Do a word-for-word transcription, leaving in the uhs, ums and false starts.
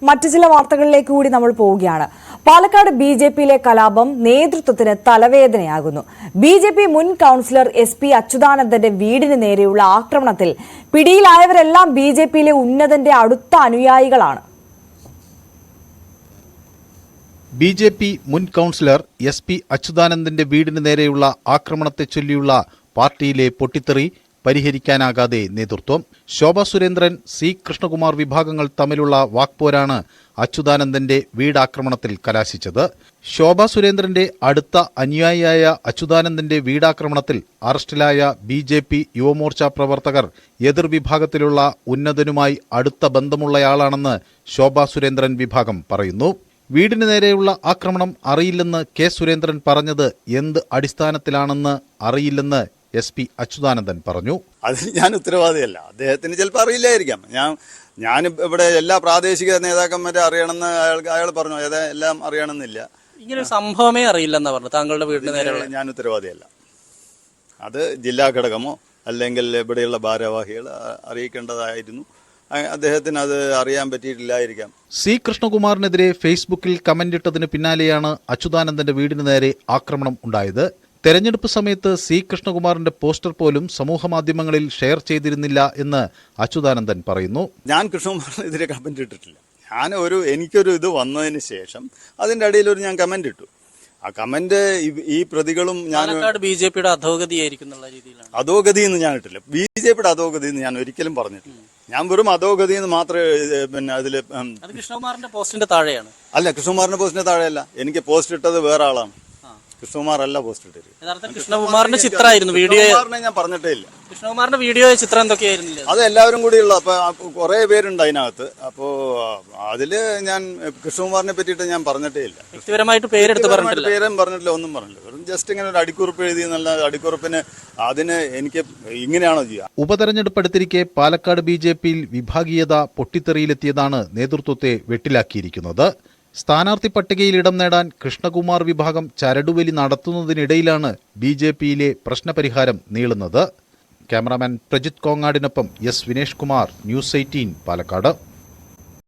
മറ്റു ചില വാർത്തകളിലേക്ക് കൂടി നമ്മൾ പോവുകയാണ്. പാലക്കാട് ബി ജെ പിയിലെ കലാപം നേതൃത്വത്തിന് തലവേദനയാകുന്നു. ബി ജെ പി മുൻ കൌൺസിലർ എസ് പി അച്യുതാനന്ദന്റെ വീടിന് നേരെയുള്ള ആക്രമണത്തിൽ പിടിയിലായവരെല്ലാം ബി ജെ പിയിലെ ഉന്നതന്റെ അടുത്ത അനുയായികളാണ്. ബി ജെ പി മുൻ കൌൺസിലർ എസ് പി അച്യുതാനന്ദന്റെ വീടിന് നേരെയുള്ള ആക്രമണത്തെ ചൊല്ലിയുള്ള പാർട്ടിയിലെ പൊട്ടിത്തെറി പരിഹരിക്കാനാകാതെ നേതൃത്വം. ശോഭാ സുരേന്ദ്രൻ, സി കൃഷ്ണകുമാർ വിഭാഗങ്ങൾ തമ്മിലുള്ള വാക്പോരാണ് അച്യുതാനന്ദന്റെ വീടാക്രമണത്തിൽ കലാശിച്ചത്. ശോഭാ സുരേന്ദ്രന്റെ അടുത്ത അനുയായിയായ അച്യുതാനന്ദന്റെ വീടാക്രമണത്തിൽ അറസ്റ്റിലായ ബി ജെ പി യുവമോർച്ച പ്രവർത്തകർ എതിർവിഭാഗത്തിലുള്ള ഉന്നതനുമായി അടുത്ത ബന്ധമുള്ളയാളാണെന്ന് ശോഭാ സുരേന്ദ്രൻ വിഭാഗം പറയുന്നു. വീടിന് നേരെയുള്ള ആക്രമണം അറിയില്ലെന്ന് കെ സുരേന്ദ്രൻ പറഞ്ഞത് എന്ത് അടിസ്ഥാനത്തിലാണെന്ന് അറിയില്ലെന്ന് എസ് പി അച്യുതാനന്ദൻ പറഞ്ഞു. അതിന് ഞാൻ ഉത്തരവാദിയല്ല. അദ്ദേഹത്തിന് ചിലപ്പോൾ അറിയില്ലായിരിക്കാം. ഞാൻ ഞാൻ ഇവിടെ എല്ലാ പ്രാദേശിക നേതാക്കന്മാരെ അറിയണമെന്ന് അയാൾ അയാൾ പറഞ്ഞു. ഏതാ എല്ലാം അറിയണമെന്നില്ല. ഇങ്ങനെ സംഭവമേ അറിയില്ലെന്നാ പറഞ്ഞു. താങ്കളുടെ വീടിന് നേരെയുള്ള ഞാൻ ഉത്തരവാദിയല്ല. അത് ജില്ലാ ഘടകമോ അല്ലെങ്കിൽ ഇവിടെയുള്ള ഭാരവാഹികൾ അറിയിക്കേണ്ടതായിരുന്നു. അദ്ദേഹത്തിന് അത് അറിയാൻ പറ്റിയിട്ടില്ലായിരിക്കാം. സി കൃഷ്ണകുമാറിനെതിരെ ഫേസ്ബുക്കിൽ കമന്റിട്ടതിന് പിന്നാലെയാണ് അച്യുതാനന്ദന്റെ വീടിന് നേരെ ആക്രമണം ഉണ്ടായത്. തെരഞ്ഞെടുപ്പ് സമയത്ത് സി കൃഷ്ണകുമാറിന്റെ പോസ്റ്റർ പോലും സമൂഹമാധ്യമങ്ങളിൽ ഷെയർ ചെയ്തിരുന്നില്ല എന്ന് അച്യുതാനന്ദൻ പറയുന്നു. ഞാൻ കൃഷ്ണകുമാറിനെതിരെ കമന്റ് ഇട്ടിട്ടില്ല. ഞാൻ ഒരു എനിക്കൊരു ഇത് വന്നതിന് ശേഷം അതിന്റെ അടിയിൽ ഒരു ഞാൻ കമന്റ് ഇട്ടു. ആ കമന്റ് ഈ പ്രതികളും ഞാൻ ബി ജെ പിയുടെ അധോഗതിയായിരിക്കും അധോഗതി എന്ന് ഞാൻ ഇട്ടില്ല. ബി ജെ പിയുടെ അധോഗതി എന്ന് ഞാൻ ഒരിക്കലും പറഞ്ഞിട്ടില്ല. ഞാൻ വെറും അധോഗതി എന്ന് മാത്രമേ പിന്നെ അതില് കൃഷ്ണകുമാറിന്റെ പോസ്റ്റിന്റെ താഴെയാണ്. അല്ല, കൃഷ്ണകുമാറിന്റെ പോസ്റ്റിന്റെ താഴെയല്ല. എനിക്ക് പോസ്റ്റ് ഇട്ടത് വേറെ ആളാണ്. കൃഷ്ണകുമാർ അല്ല പോസ്റ്റ് ഇട്ടത്. കൃഷ്ണകുമാറിന്റെ ചിത്രമായിരുന്നു. വീഡിയോ ഞാൻ പറഞ്ഞിട്ടേ ഇല്ല. കൃഷ്ണകുമാറിന്റെ വീഡിയോ ചിത്രം എന്തൊക്കെയായിരുന്നില്ല. അത് എല്ലാവരും കൂടിയുള്ള അപ്പൊ കുറെ പേരുണ്ട് അതിനകത്ത്. അപ്പോ അതില് ഞാൻ കൃഷ്ണകുമാറിനെ പറ്റിയിട്ട് ഞാൻ പറഞ്ഞിട്ടേ ഇല്ല. വ്യക്തിപരമായിട്ട് പേരെടുത്ത് പറഞ്ഞിട്ടില്ല. പേരും പറഞ്ഞിട്ടില്ല, ഒന്നും പറഞ്ഞില്ല. വെറും ജസ്റ്റ് ഇങ്ങനെ ഒരു അടിക്കുറിപ്പ് എഴുതി എന്നുള്ള അടിക്കുറിപ്പിന് അതിന് എനിക്ക് ഇങ്ങനെയാണോ ചെയ്യുക? ഉപതെരഞ്ഞെടുപ്പ് അടുത്തിരിക്കെ പാലക്കാട് ബി ജെ പിയിൽ വിഭാഗീയത പൊട്ടിത്തെറിയിലെത്തിയതാണ് നേതൃത്വത്തെ വെട്ടിലാക്കിയിരിക്കുന്നത്. സ്ഥാനാർത്ഥി പട്ടികയിൽ ഇടം നേടാൻ കൃഷ്ണകുമാർ വിഭാഗം ചരടുവലി നടത്തുന്നതിനിടയിലാണ് ബി ജെ പിയിലെ പ്രശ്നപരിഹാരം നീളുന്നത്. ക്യാമറാമാൻ പ്രജിത് കോങ്ങാടിനൊപ്പം S Vinesh Kumar, News Eighteen, Palakkad.